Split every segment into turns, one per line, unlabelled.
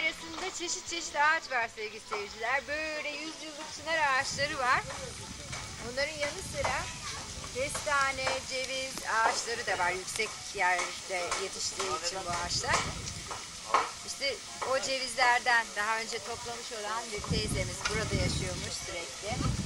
Yaylası'nda çeşit çeşit ağaç var sevgili seyirciler. Böyle 100 yıllık çınar ağaçları var. Bunların yanı sıra kestane, ceviz ağaçları da var. Yüksek yerde yetiştiği için bu ağaçlar. İşte o cevizlerden daha önce toplamış olan bir teyzemiz burada yaşıyormuş sürekli.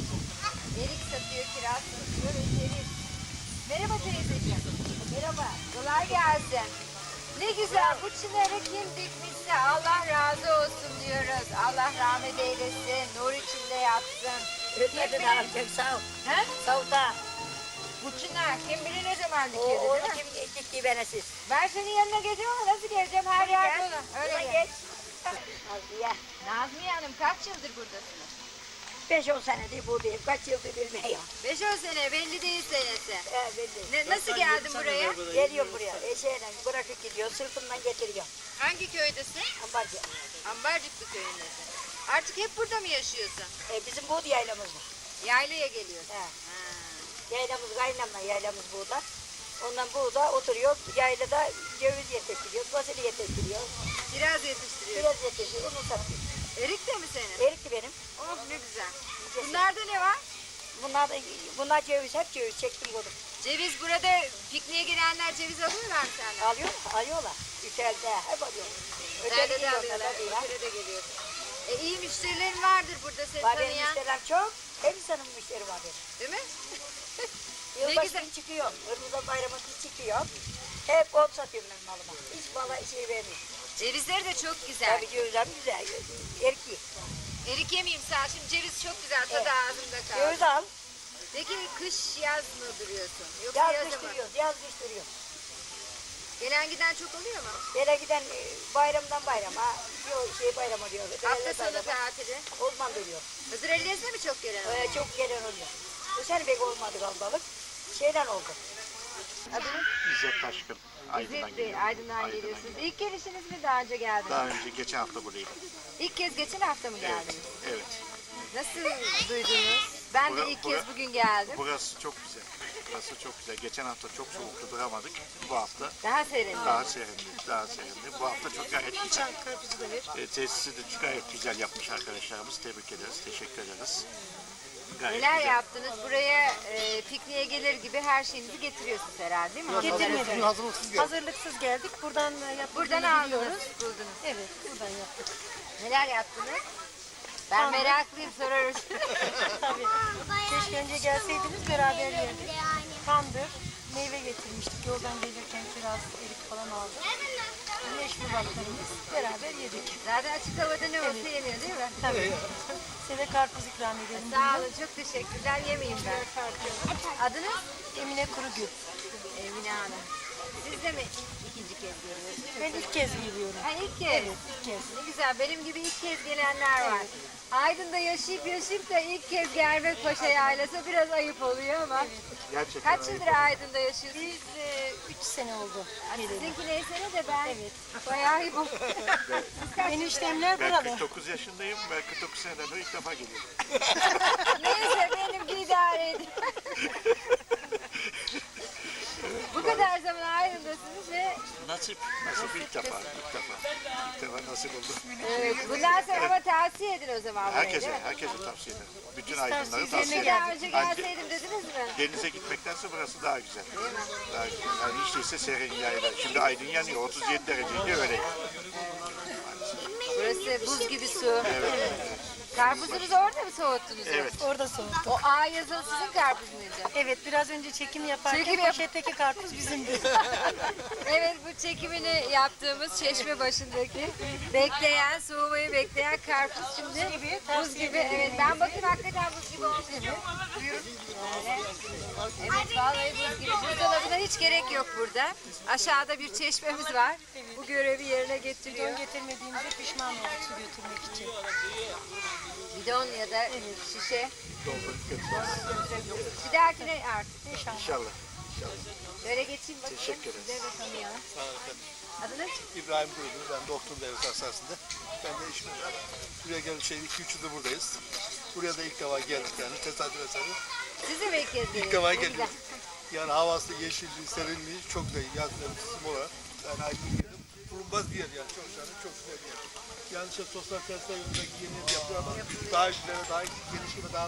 Erik satıyor, kiraz satıyor ve ceviz. Merhaba teyzeciğim. Merhaba. Kolay gelsin. Ne güzel, bu çınarı kim dikmişse Allah razı olsun diyoruz. Allah rahmet eylesin, nur içinde yatsın.
Ölmedin abicim, sağ ol.
He?
Sağ ol da.
Bu çınar kim bilir ne zaman dikildi
Onu
değil mi?
kim dikti bana siz?
Ben senin yanına geleceğim ama nasıl geleceğim? Her yer dolu. Öyle
Buna
gel.
geç. Nazmiye.
Nazmiye Hanım kaç yıldır buradasınız?
5-10 senedir buradayım. Kaç yıldır bilmiyorum.
5-10 sene, belli değil senesi.
Belli.
Nasıl geldin buraya?
Geliyorum buraya. Eşeğle bırakıp gidiyor. Sırtımdan getiriyor.
Hangi köydesin?
Ambarcı.
Ambarcıklı köyündesin. Artık hep burada mı yaşıyorsun?
Bizim buğday yaylamız var.
Yaylaya geliyorsun.
He.
Ha.
Yaylamız, kaynamla yaylamız burada. Ondan burada oturuyor. Yaylada ceviz yetiştiriyor. Fasulye yetiştiriyor.
Kiraz yetiştiriyorsun.
Biraz yetiştiriyor. Onu satıyor.
Erik de mi senin?
Erikli benim.
Oh ne güzel. Bunlarda ne var?
Bunlar ceviz. Hep ceviz. Çektim bunu.
Ceviz burada pikniğe gelenler ceviz alıyorlar mı senden?
Alıyorlar. Ütelde hep alıyor.
Nerede de
gidiyorlar
alıyorlar.
tabii ya.
Ötede de geliyorsun. İyi müşterilerin vardır burada seni
Var benim
tanıyan.
müşterilerim çok. Hem insanın müşteri var benim.
Değil mi?
Yılbaşı
güzel.
günü çıkıyor. Ramazan bayramı çıkıyor. Hep ot satıyorum ben malıma. Hiç mala şey vermiyorum.
Cevizleri de çok güzel.
Tabii cevizlerim güzel. Erki.
Erik yemeyeyim sen. Şimdi ceviz çok güzel. Tadı
Evet.
ağzımda kaldı.
Ceviz al.
Peki kış yaz mı duruyorsun? Yoksa
Yaz
yaz
kış
mı?
duruyor. Yaz kış duruyor.
Gelen giden çok oluyor mu?
Böyle giden bayramdan bayrama. Diyor bayram oluyor.
Hafta sonu tatili.
Olman dönüyor.
Hızır Ellez'de mi çok gelen oluyor?
Çok gelen oluyor. Bu sene pek olmadı kalabalık. Şeyden oldu.
Adınız?
İzzet Taşkın. Aydın'dan
İzzet Bey,
geliyorum.
Aydın'dan geliyorsunuz. İlk gelişiniz mi daha önce geldiniz?
Daha önce geçen hafta buradaydım.
İlk kez geçen hafta mı
Evet.
geldiniz?
Evet.
Nasıl duydunuz? Ben de ilk kez bugün geldim.
Burası çok güzel. Burası çok güzel. Geçen hafta çok soğuktu, duramadık. Bu hafta
Daha serin.
daha serindi. Daha serindi. Bu hafta çok gayet güzel. Tesisi de gayet güzel yapmış arkadaşlarımız. Tebrik ederiz. Teşekkür ederiz. Gayet
Neler
güzel.
yaptınız? Buraya pikniğe gelir gibi her şeyinizi getiriyorsunuz herhalde değil mi?
Getirmedik. Hazırlıksız geldik. Buradan yaptığımızı
Buradan
biliyoruz.
aldınız, buldunuz.
Evet, buradan yaptık.
Neler yaptınız? Ben meraklıyım, sorarız.
Tabii. Keşke önce gelseydiniz beraber yerdik. Tandır, meyve getirmiştik. Yoldan gelirken kiraz, erik falan aldık. Meşrubatlarımız beraber yedik.
Zaten açık havada ne olsa yeniyor değil mi?
Tabii. Size karpuz ikram edelim.
Sağ olun, çok teşekkürler. Yemeyeyim ben. Adınız?
Emine Kurugül.
Emine Hanım. Siz de mi ikinci kez geliyorsunuz?
Ben ilk kez geliyorum.
Ha ilk kez.
Evet, ilk kez.
Ne güzel, benim gibi ilk kez gelenler var. Aydın'da yaşayıp da ilk kez gelmek Paşa Yaylası biraz ayıp oluyor ama.
Gerçekten
Kaç yıldır Aydın'da yaşıyorsunuz?
Biz 3 sene oldu.
Sizinki neyse ne de ben
Evet.
bayağı ayıp oldu.
Eniştemler
Ben
burada.
49 yaşındayım. Ben 49 seneden beri ilk defa geliyorum.
Neyse benimki idare edin. Bu kadar zaman Aydın'dasınız ve
Nasip. Nasip ilk defa. İlk defa. İlk defa nasip oldu.
bundan sonra ama tavsiye edin o zaman burayı, değil
Herkese,
mi?
herkese tavsiye ederim. Bütün aydınları
tavsiye
tavsiye
ederim.
Daha
ederim.
önce gelseydim dediniz mi?
Denize gitmektense burası daha güzel. Daha güzel. Yani hiç değilse serin yayla. Şimdi Aydın yanıyor. 37 dereceydi öyle.
Burası buz gibi su. Karpuzunuzu orada mı soğuttunuz?
Evet.
Orada soğuk.
O A yazılı sizin karpuz muydu?
Evet, biraz önce çekim yaparken
Çekim yap-
poşetteki karpuz bizimdi.
Evet, bu çekimini yaptığımız çeşme başındaki bekleyen, soğumayı bekleyen karpuz şimdi
gibi,
buz gibi. Evet, ben bakayım hakikaten buz gibi olmuş. Buyurun. Böyle. Evet, vallahi buz gibi. Buzdolabına hiç gerek yok burada. Aşağıda bir çeşmemiz var. Bu görevi yerine getiriyor.
Bidon getirmediğimize pişman olduk su götürmek için.
Bidon ya da şişe.
Doldurup götürürüz.
Bir dahakine artık.
İnşallah.
İnşallah.
Böyle geçeyim bakayım.
Teşekkür ederiz.
Size de tanıyalım.
Sağ olun efendim.
Adınız?
İbrahim Kurdu, ben doktor devlet hastanesinde. Ben de işim buraya gelip 2-3 yıldır buradayız. Buraya da ilk defa geldik yani tesadüf eseri.
Siz de mi ilk kez
İlk
geliyorsunuz?
defa
Ne güzel.
geliyoruz. Yani havası, yeşilliği, serinliği çok güzel yaz mevsim olarak. Yani Aydın geldim. Tulumba unutulmaz bir yer yani. Çok şahane, çok güzel bir yer. Yani işte sosyal tesisler yolundaki yeni yapıyor ama daha güzel, daha geniş ve daha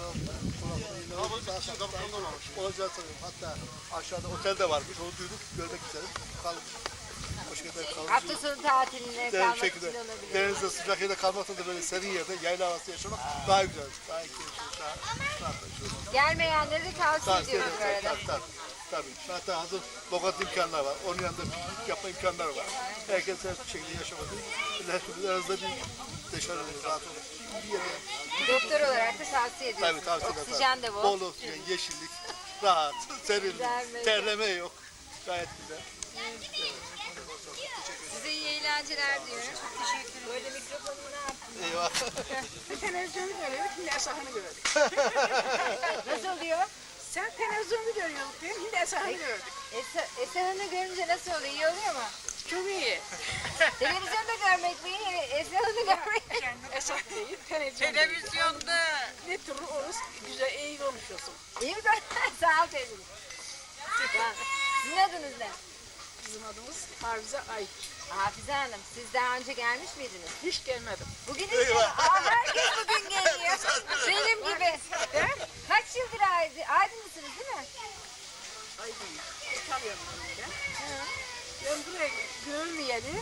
olacağı sanıyorum. Hatta aşağıda otel de varmış, onu duyduk, görmek istedim. Kalmış. Hoş geldin, kalmış.
Hafta sonu tatiline kalmak
şekilde
için olabilir.
denizde sıcak yerde kalmakta da böyle serin yerde yayla havası yaşamak daha güzel. Daha keyifli, daha
Gelmeyenleri de tavsiye
Tabii,
ediyoruz bu arada.
tabii. Hatta hazır lokant imkanları var. Onun yanında piknik yapma imkanları var. Herkes her şekilde yaşamadı. Her türlü aranızda bir dışarı rahat olur. Bir yere
Doktor olarak da tavsiye ediyoruz.
tabii tavsiye ederim.
Oksijen de bol.
Bol oksijen, yeşillik, rahat, serin,
Güzel,
terleme yok. Gayet güzel.
Size iyi eğlenceler diyorum. Teşekkür ederim. Böyle mikrofonumu ne yaptın?
Eyvah.
Televizyonu görüyoruz, şimdi Esah'ını gördük.
Nasıl oluyor?
Sen televizyonu görüyorsun, şimdi Esah'ını gördük.
Esra'nı görünce nasıl oluyor? İyi oluyor mu?
Çok iyi.
Televizyonda görmek mi iyi? Esra'nı görmek mi?
Esah değil, televizyonda. Ne tür olursa güzel, iyi konuşuyorsun.
İyi mi? Sağ ol teyzeciğim. Sizin adınız ne?
Bizim adımız Hafize Ay.
Hafize Hanım, siz daha önce gelmiş miydiniz?
Hiç gelmedim.
Bugün ilk herkes bugün geliyor. Benim gibi. Kaç yıldır Aydınlısınız değil mi?
Ay değil. Tanıyorum ben. Ben buraya görmeyeli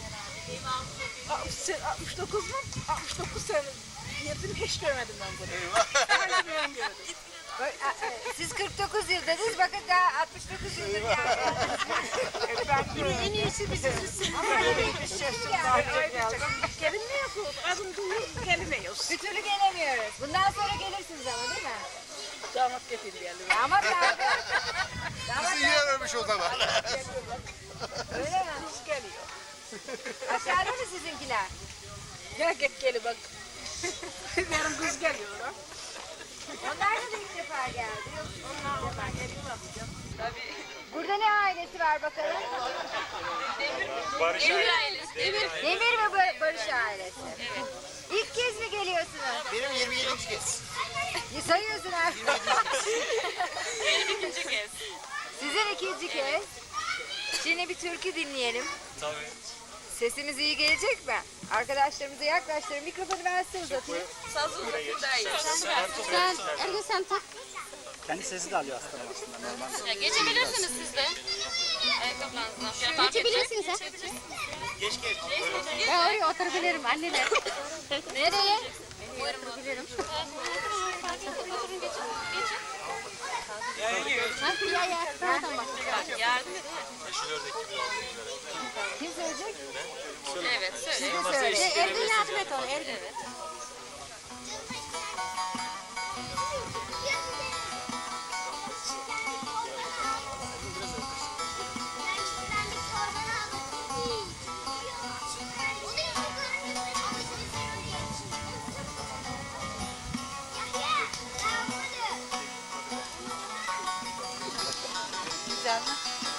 69 mu? 69 sene yedim, hiç görmedim ben bunu. Hala ben gördüm.
Siz 49 yıl dediniz, bakın daha 69 yıldır geldiniz.
En iyisi biziz. Ama gelemiyoruz. Adım duyuyor, gelemiyoruz.
Bir türlü gelemiyoruz. Bundan sonra gelirsiniz ama değil mi?
Damat getirdi geldi.
Damat nerede?
Bizi iyi aramış o zaman.
Öyle mi?
Kız geliyor.
Aşağıda mı sizinkiler?
Gel gel bak. Benim kız geliyor.
Onlar da ilk defa geldi.
Onlar geliyor bakacağım.
Burada ne ailesi var bakalım?
Barış ailesi.
Demir ve Barış ailesi. Evet. İlk kez mi geliyorsunuz?
Benim 27. kez.
Sayıyorsun artık.
Benim ikinci kez.
Sizin ikinci kez. Şimdi bir türkü dinleyelim.
Tabii.
Sesimiz iyi gelecek mi? Arkadaşlarımıza yaklaştırın. Mikrofonu ben size uzatayım.
Sazın buradayız.
Sen Ergün sen tak.
Kendi sesi de alıyor aslında normal.
Ya geçebilirsiniz siz de. Ayakkabılarınızdan.
Geçebilirsin sen.
Geç.
Ben oraya oturabilirim anneler.
Nereye?
Oturabilirim.
Geçin.
Ya ya. Tamam bak.
Yardım
Kim söyleyecek?
Evet söyle.
Siz de söyleyin.
Ergün yardım et ona Ergün.
Güzel mi?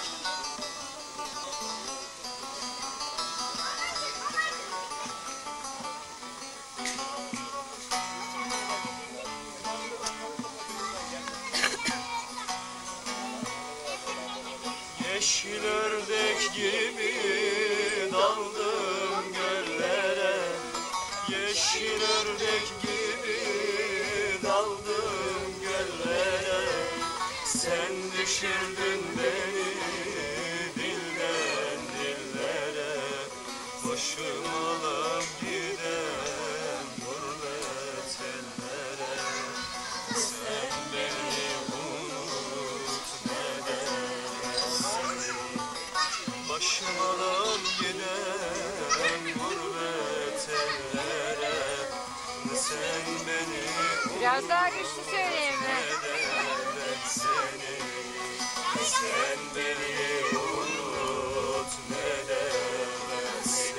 Yeşil ördek gibi daldım göllere. Yeşil ördek gibi daldım göllere. Sen düşürdün beni dilden dillere. Başım alıp giden gurbet ellere. Sen beni unut ne dersin. Başım alıp giden gurbet ellere. Sen beni
Biraz daha güçlü söyleyin mi?
seni, sen beni unut ne demezsin.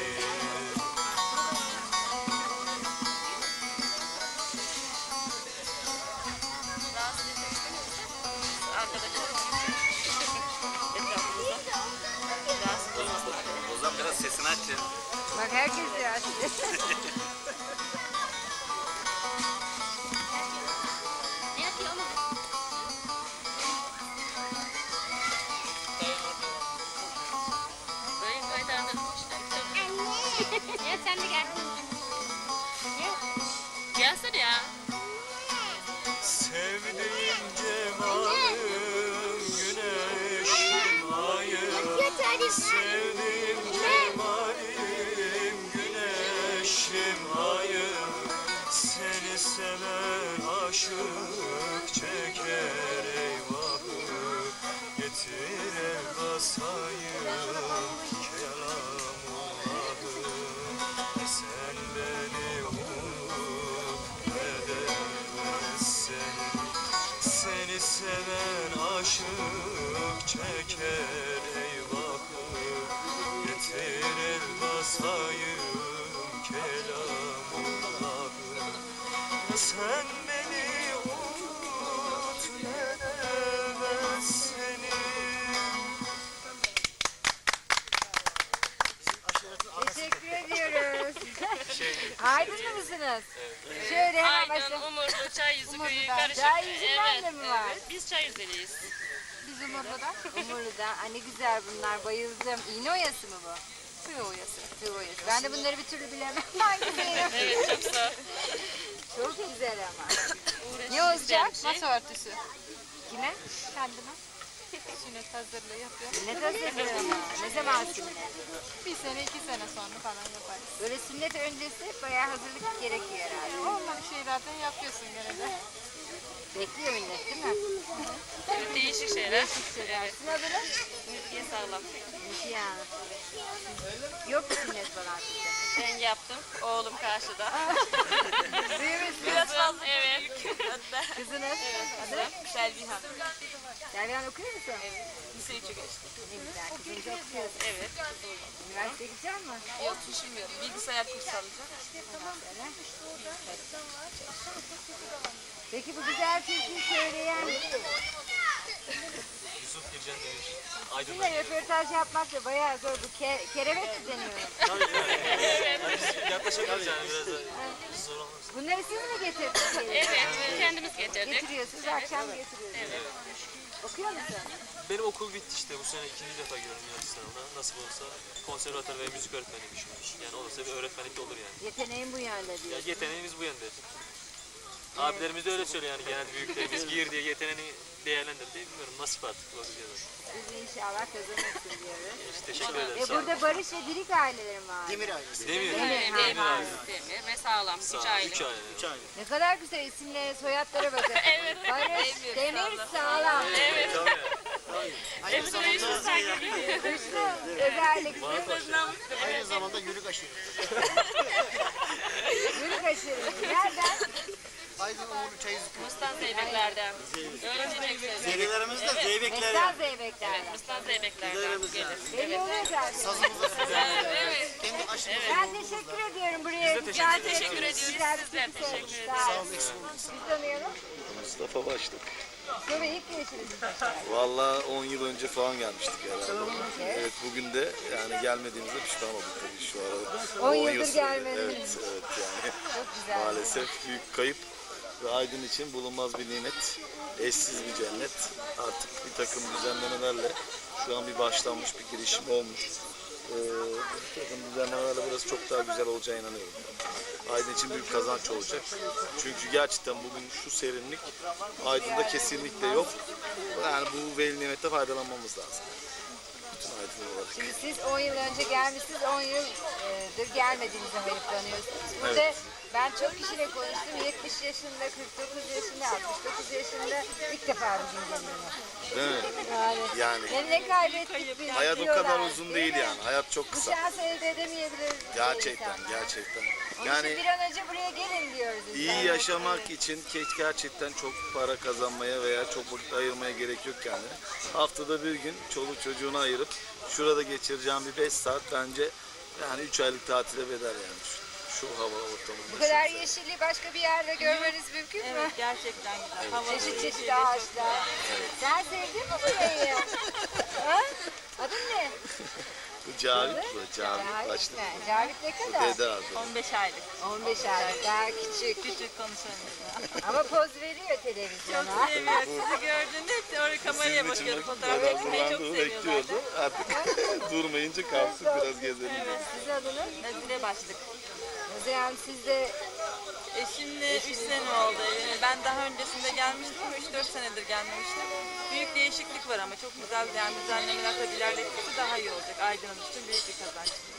Arkadaşlar.
O zaman biraz sesini aç ya.
Bak herkes biraz.
Ne yapıyor oğlum?
aşık çeker eyvahı. Getir el basayım kelamullahı. Sen beni unut edemezsen. Seni seven aşık çeker eyvahı. Getir el basayım kelamullahı. Sen beni unut edemez seni.
Teşekkür ediyoruz. Aydınlı mısınız? Şöyle hemen
Aydın,
başlayalım.
Umurlu, Çayyüzü köyü karışık.
Çayyüzü'nden de mi var?
Evet, biz Çayyüzü'liyiz.
Biz Umurlu'dan. Umurlu'dan. Ay ne güzel bunlar. Bayıldım. İğne oyası mı bu?
Tüy oyası.
Tığ oyası. Ben de bunları bir türlü bilemem. Hangisi?
Evet, çok sağ.
Çok güzel ama.
Uğraşıyoruz
Ne olacak?
yani.
Masa örtüsü.
Kime?
Kendime. Sünnet hazırlığı yapıyorum.
Ne hazırlıyor ama? Ne zaman sünnet?
Bir sene, 2 sene sonra falan yaparız.
Böyle sünnet öncesi bayağı hazırlık gerekiyor herhalde.
Onları şeylerden yapıyorsun gene de.
Bekliyor millet değil mi?
Evet, değişik şeyler.
Evet. Sizin adınız?
Ülkeye sağlam.
Ya. Yok mu sünnet falan sizde?
Ben yaptım. Oğlum karşıda.
Büyümüş
Biraz fazla. Evet.
kızınız.
Adı Selvihan.
Selvihan okuyor musun?
Lise 3'ü geçti.
Ne güzel. Kızınızı okuyorsun.
Evet.
Üniversiteye gidecek mi?
Yok düşünmüyorum. Bilgisayar kursu alacağım.
Peki bu güzel türküyü söyleyen
Yusuf Gircan Demir.
sizinle röportaj yapmak da bayağı zor. Bu kerevet mi deniyor?
Yaklaşabiliriz yani biraz da zor olmaz.
Bunları siz mi getirdiniz?
Evet, kendimiz getirdik.
Getiriyorsunuz, akşam getiriyorsunuz. Okuyor musun?
Benim okul bitti işte. Bu sene ikinci defa giriyorum Yunanistan'da. Nasip olsa konservatuar ve müzik öğretmeni düşünmüş. Yani olursa bir öğretmenlik de olur yani.
Yeteneğin bu yönde
Ya
diyor.
yeteneğimiz bu yönde. Abilerimiz de öyle söylüyor yani genelde büyüklerimiz gir diye yeteneğini değerlendir diye bilmiyorum nasip artık bakacağız.
Siz inşallah kazanırsın diyoruz.
İşte teşekkür ederim.
Ve
Sağ olun.
burada Barış ve Dirik ailelerim var.
Demir.
Demir,
Demir,
ha.
Demir ve sağlam. 3
Sağ olun.
aylık.
3 aile.
Ne kadar güzel isimlere, soyadlara bakın.
Evet.
Barış,
Demir,
Demir, sağlam.
Evet. Hepsi de üstümüzden geliyor.
Güçlü, özellikle.
Aynı zamanda yürük aşırı.
Yürü kaçırın. Nereden?
Aydın Uğurlu Çayızlık.
Mustan Zeybekler'den. Öğrenecek sözü.
Serilerimiz de zeybekler.
Mestan Zeybekler.
Evet, Mustan Zeybekler'den gelir.
Belli oluyor zaten.
Evet.
Kendi aşırı.
Ben teşekkür ediyorum buraya. Güzel
Teşekkür ediyoruz.
güzel bir
Sizler
türkü
teşekkür
söylemiş.
ederiz.
Sağ olun. Siz tanıyalım.
Mustafa Başlık.
Sonra ilk gelişiniz.
Vallahi 10 yıl önce falan gelmiştik herhalde. Evet bugün de yani gelmediğimizde pişman olduk tabii şu arada.
10
yıl
yıldır
sürdü.
gelmediniz.
Evet yani
Çok güzel.
maalesef büyük kayıp ve Aydın için bulunmaz bir nimet, eşsiz bir cennet. Artık bir takım düzenlemelerle şu an bir başlanmış bir girişim olmuş. Bir takım düzenlemelerle burası çok daha güzel olacağına inanıyorum. Aydın için büyük kazanç olacak. Çünkü gerçekten bugün şu serinlik Aydın'da kesinlikle yok. Yani bu veli nimette faydalanmamız lazım. Bütün Aydın olarak.
Şimdi siz 10 yıl önce gelmişsiniz, 10 yıldır gelmediğinizi hayıflanıyorsunuz. Burada
Evet.
ben çok kişiyle konuştum. 70 yaşında, 49 yaşında, 69 yaşında ilk defa bugün geliyorum.
Değil mi? Yani
Ne kaybettik biz
hayat o
diyorlar,
kadar uzun değil
mi?
yani. Hayat çok
Bu
kısa.
şansı elde edemeyebilir.
Gerçekten,
insanlar.
gerçekten.
Onun
Yani
için bir an önce buraya gelin diyoruz.
İyi
insanlara.
yaşamak için gerçekten çok para kazanmaya veya çok vakit ayırmaya gerek yok kendine. Haftada bir gün çoluk çocuğunu ayırıp şurada geçireceğim bir 5 saat bence yani 3 aylık tatile bedel yani şu hava ortamında.
Bu kadar yeşilliği başka bir yerde görmeniz mümkün mü?
Evet, gerçekten güzel. Hava
Çeşit çeşit ağaçlar. Sen sevdin mi burayı? Ha? Adın ne?
Bu Cavit bu, Cavit Başlık.
mi? Cavit ne kadar?
Dede adı.
15 aylık.
15 aylık, daha küçük.
Küçük konuşamıyoruz.
Ama poz veriyor televizyona.
Seviyor. Sizi gördüğünde hep oraya kameraya
Sizin için
bakıyordu.
bak,
Fotoğraf
beraber
çekmeyi çok
durduğunu
seviyor
bekliyordu.
zaten.
Artık durmayınca kalsın biraz gezelim.
Siz adınız?
Nazire başlık.
O zaman siz de
Eşimle 3 sene oldu. Ben daha öncesinde gelmiştim ama 3-4 senedir gelmemiştim. Büyük değişiklik var ama çok güzel yani düzenlemeler tabii ilerledikçe daha iyi olacak. Aydın'ın için büyük bir kazanç.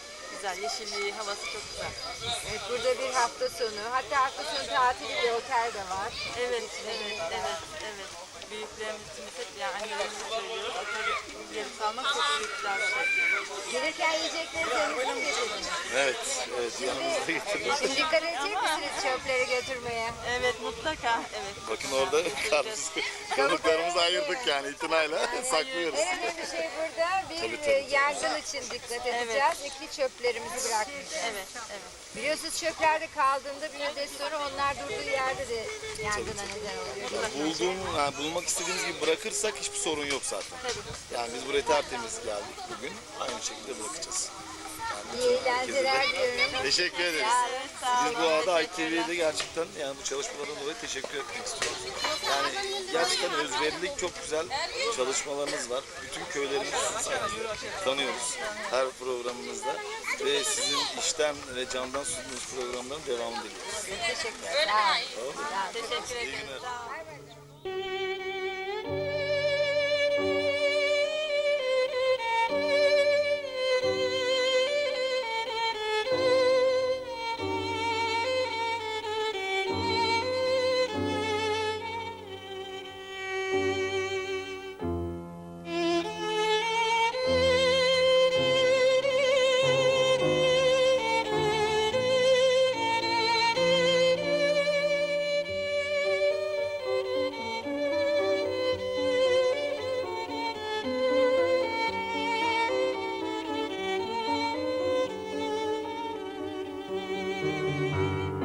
güzel. Yeşilliği, havası çok güzel.
Evet, burada bir hafta sonu, hatta hafta sonu tatili bir otel de var.
Evet. Büyüklerimiz için hep yani annelerimize söylüyoruz. Otelde gelip kalmak çok büyük güzel bir şey.
Gelirken yiyecekleri yanınıza mı getirdiniz?
Evet, yanımızda getirdik.
Şimdi dikkat edecek misiniz çöpleri götürmeye?
Evet mutlaka. Evet.
Bakın orada karpuz kabuklarımızı ayırdık yani itinayla saklıyoruz.
En önemli şey burada bir yangın için dikkat edeceğiz. İki çöplerimizi bırakmayacağız.
Evet.
Biliyorsunuz çöplerde kaldığında bir müddet sonra onlar durduğu yerde de yangına neden oluyor.
Bulmak istediğimiz gibi bırakırsak hiçbir sorun yok zaten. Yani biz buraya tertemiz geldik bugün. Aynı şekilde bırakacağız.
İyi eğlenceler diyorum.
Teşekkür ederiz. Biz bu arada ITV'de gerçekten yani bu çalışmalardan dolayı teşekkür etmek istiyoruz. Yani gerçekten özverilik çok güzel çalışmalarınız var. Bütün köylerimizi sayesinde tanıyoruz her programımızda. Ve sizin işten ve candan sunduğunuz programların devamını diliyoruz.
Teşekkürler. Sağ olun.
Teşekkür
İyi
ederim.
günler.
Bay bay.